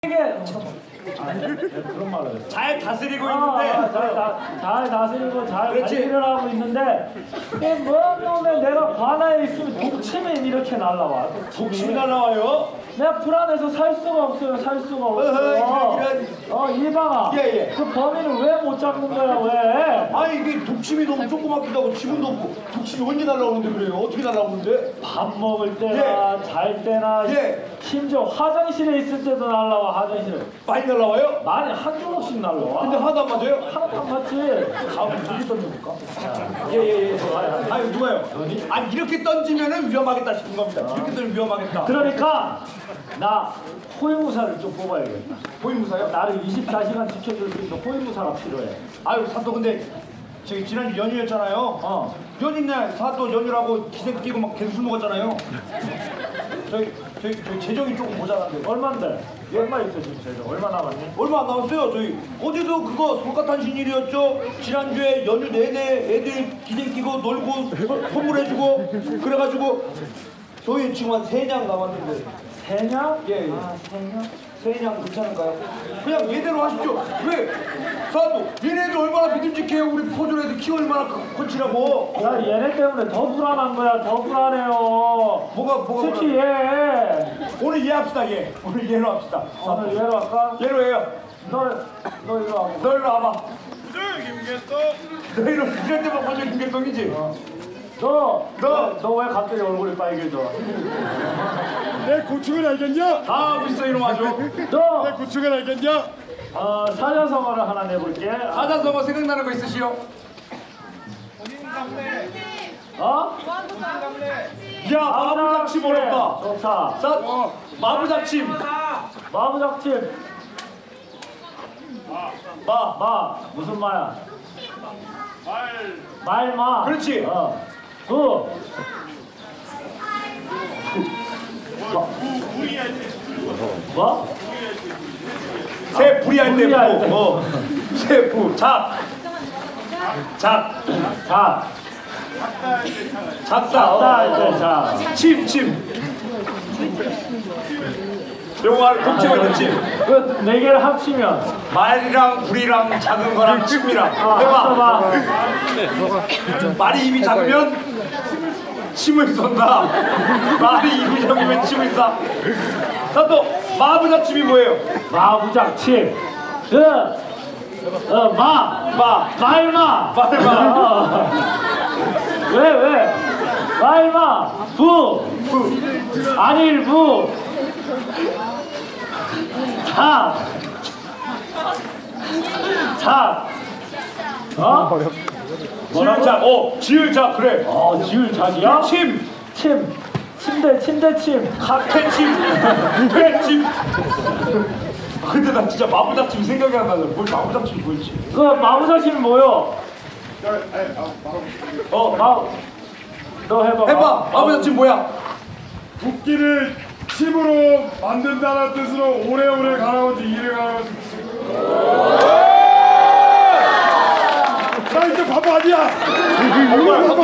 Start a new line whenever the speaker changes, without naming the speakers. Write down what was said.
그런 말을
잘 다스리고 있는데
잘 다스리고 잘
그렇지.
관리를 하고 있는데 뭔 놈에 내가 관아에 있으면 독침이 이렇게 날라와.
독침이 날라와요.
내가 불안해서 살 수가 없어요. 살 수가 없어.
이런.
이방아.
예.
그 범인을 왜 못 잡는 거야 왜?
아니 이게 독침이 너무 조그맣기도 하고 지문도 없고 독침이 언제 날라오는데 그래요? 어떻게 날라오는데?
밥 먹을 때나 잘 때나 심지어 화장실에 있을 때도 날라와. 화장실에
많이 날라와요?
많이 한 조각씩 날라와.
근데 하나도 안 맞아요?
하나도 안 맞지. 다음 저기 던져볼까?
예. 아니 누가요? 아니 이렇게 던지면은 위험하겠다 싶은 겁니다. 이렇게 던지면 위험하겠다.
그러니까 나 호위무사를 좀 뽑아야겠다.
호위무사요?
나를 24시간 지켜줄 수 있는 호위무사가 필요해.
아유 사또 근데 저기 지난주 연휴였잖아요. 연휴날 사또 연휴라고 기생 끼고 막 계속 술 먹었잖아요. 저희 재정이 조금 모자란데.
얼만데? 얼마 있어 지금 재정? 얼마 남았니?
얼마 안 남았어요. 저희 어제도 그거 솔가탄신일이었죠. 지난주에 연휴 내내 애들 기생 끼고 놀고 선물해주고 그래가지고 저희 지금 한 3냥 남았는데.
3냥?
예.
아 3냥?
3냥 괜찮을까요? 그냥 얘대로 하십시오. 왜? 사또 얘네들 얼마나 믿음직해요. 우리 포졸 애들 키 얼마나 커치라고.
나 얘네 때문에 더 불안한 거야. 더 불안해요.
뭐가
특히 얘.
오늘 얘 합시다. 얘 오늘 얘로 합시다.
오늘 얘로 할까?
얘로 해요.
너 이리 와.
너 일로 와봐.
부조 김계동.
너 이럴 때만 포졸 김계동이지.
너 왜 갑자기 얼굴이 빨개져?
내 고충을 알겠냐?
다 하고 있어 이놈 아주.
너
내 고충을 알겠냐?
사자성어를 하나 내볼게.
사자성어 생각나는 거 있으시오?
어?
야 마부작침 어렵다.
좋다.
마부작침.
마부작침. 마 무슨 마야? 말마.
그렇지.
뭐?
새 불이할 때
불이할 때.
부. 새 부. 작다.
자, 자.
침. 영화 독채가 있는 침.
그 네 개를 합치면
말이랑 불이랑 작은 거랑 침이랑 해봐. 말이 입이 작으면 침을 쏜다. 말이 입이 작으면 침을 쏴. 사또 마부작침이 뭐예요?
마부작침. 말마. 왜? 말마. 안일부. 작.
지을작. 지을작 그래.
지을작이야?
침.
침대침.
카페침. 퇴침. 근데 나 진짜 마부작침 생각이 안 나네. 뭘 마부작침이 뭐지?
그 마부작침이 뭐요? 너 해봐.
마부작침 뭐야?
국기를 침으로 만든다는 뜻으로 오래오래 가라오지 이래 가라오지. 나 이제 바보 아니야.